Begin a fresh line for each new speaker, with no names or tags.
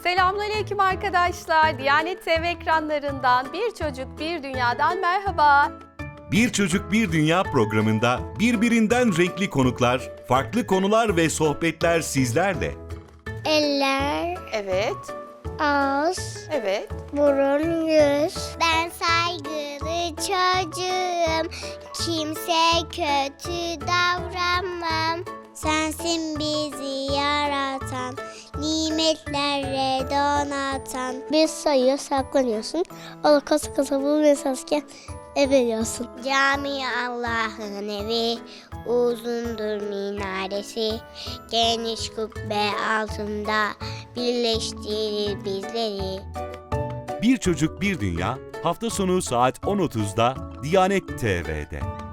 Selamünaleyküm arkadaşlar. Diyanet TV ekranlarından Bir Çocuk Bir Dünya'dan merhaba.
Bir Çocuk Bir Dünya programında birbirinden renkli konuklar, farklı konular ve sohbetler sizlerle.
Eller,
Evet,
ağız,
evet.
burun, yüz. Ben saygılı çocuğum, kimse kötü davranmam. Sensin bizi yaratan, nimetlerle donatan. Bir sayıyor, saklanıyorsun. Onu kasa kasa bulmayasazken veriyorsun. Cami Allah'ın evi, uzundur minaresi. Geniş kubbe altında birleştirir bizleri.
Bir Çocuk Bir Dünya hafta sonu saat 10.30'da Diyanet TV'de.